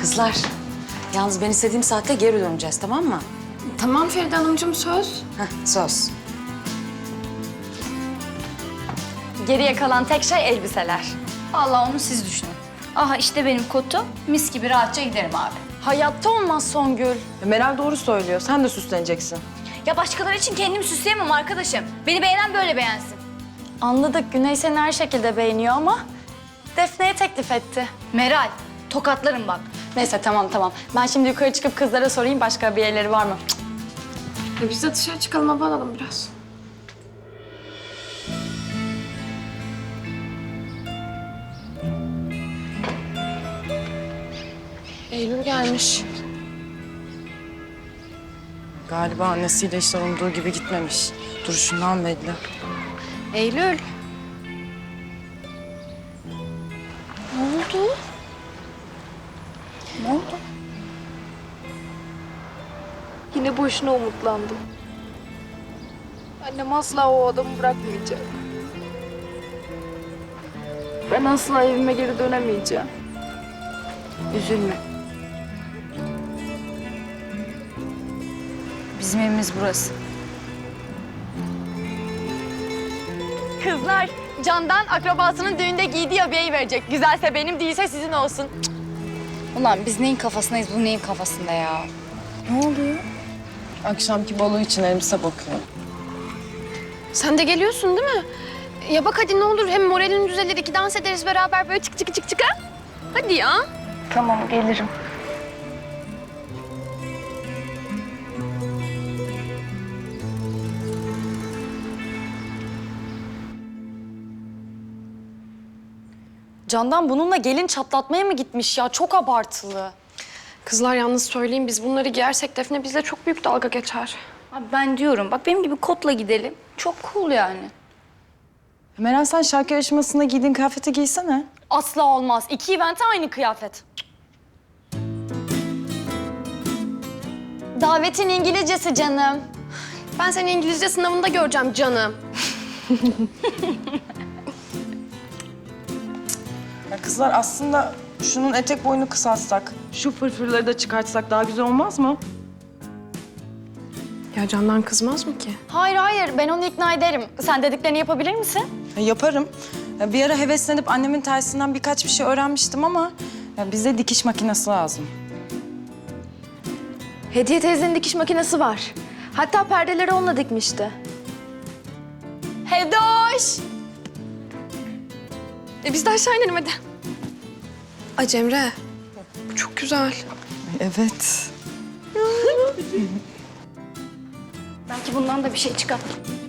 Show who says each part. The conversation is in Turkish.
Speaker 1: Kızlar, yalnız ben istediğim saatte geri döneceğiz, tamam mı?
Speaker 2: Tamam Feride Hanımcığım, söz.
Speaker 1: Söz.
Speaker 3: Geriye kalan tek şey elbiseler.
Speaker 4: Vallahi onu siz düşünün. Aha işte benim kotu. Mis gibi rahatça giderim abi.
Speaker 3: Hayatta olmaz Songül.
Speaker 5: Meral doğru söylüyor. Sen de süsleneceksin.
Speaker 4: Ya başkaları için kendimi süsleyemem arkadaşım. Beni beğenen böyle beğensin.
Speaker 3: Anladık, Güney seni her şekilde beğeniyor ama Defne'ye teklif etti.
Speaker 4: Meral, tokatlarım bak.
Speaker 3: Neyse tamam. Ben şimdi yukarı çıkıp kızlara sorayım başka bir yerleri var mı?
Speaker 2: Biz de dışarı çıkalım, hava alalım biraz. Eylül gelmiş.
Speaker 5: Galiba annesiyle işler umduğu gibi gitmemiş. Duruşundan belli.
Speaker 2: Eylül.
Speaker 4: Ne oldu?
Speaker 2: Yine boşuna umutlandım. Annem asla o adamı bırakmayacak. Ben asla evime geri dönemeyeceğim.
Speaker 4: Üzülme. Bizim evimiz burası.
Speaker 3: Kızlar, Candan akrabasının düğünde giydiği abiyeyi verecek. Güzelse benim, değilse sizin olsun.
Speaker 4: Ulan biz neyin kafasındayız, bu neyin kafasında ya? Ne oluyor?
Speaker 5: Akşamki balo için elbise bakıyor.
Speaker 2: Sen de geliyorsun değil mi? Ya bak hadi ne olur, hem moralin düzelir, iki dans ederiz beraber böyle çık ha? Hadi ya.
Speaker 4: Tamam, gelirim.
Speaker 3: Candan bununla gelin çatlatmaya mı gitmiş ya? Çok abartılı.
Speaker 2: Kızlar yalnız söyleyeyim, biz bunları giyersek Defne bizle çok büyük dalga geçer.
Speaker 4: Abi ben diyorum, bak benim gibi kotla gidelim. Çok cool yani.
Speaker 5: Meral sen şarkı yarışmasında giydiğin kıyafeti giysene.
Speaker 3: Asla olmaz. İki evente aynı kıyafet. Davetin İngilizcesi canım.
Speaker 2: Ben seni İngilizce sınavında göreceğim canım.
Speaker 5: Ya kızlar aslında şunun etek boyunu kısaltsak, şu fırfırları da çıkartsak daha güzel olmaz mı?
Speaker 2: Ya Candan kızmaz mı ki?
Speaker 3: Hayır, ben onu ikna ederim. Sen dediklerini yapabilir misin?
Speaker 5: Yaparım. Ya bir ara heveslenip annemin tersinden birkaç bir şey öğrenmiştim ama ya bize dikiş makinesi lazım.
Speaker 2: Hediye teyzenin dikiş makinesi var. Hatta perdeleri onunla dikmişti.
Speaker 3: Hedoş!
Speaker 2: Biz de aşağı inelim hadi. Ay Cemre, bu çok güzel.
Speaker 5: Evet.
Speaker 4: Belki bundan da bir şey çıkar.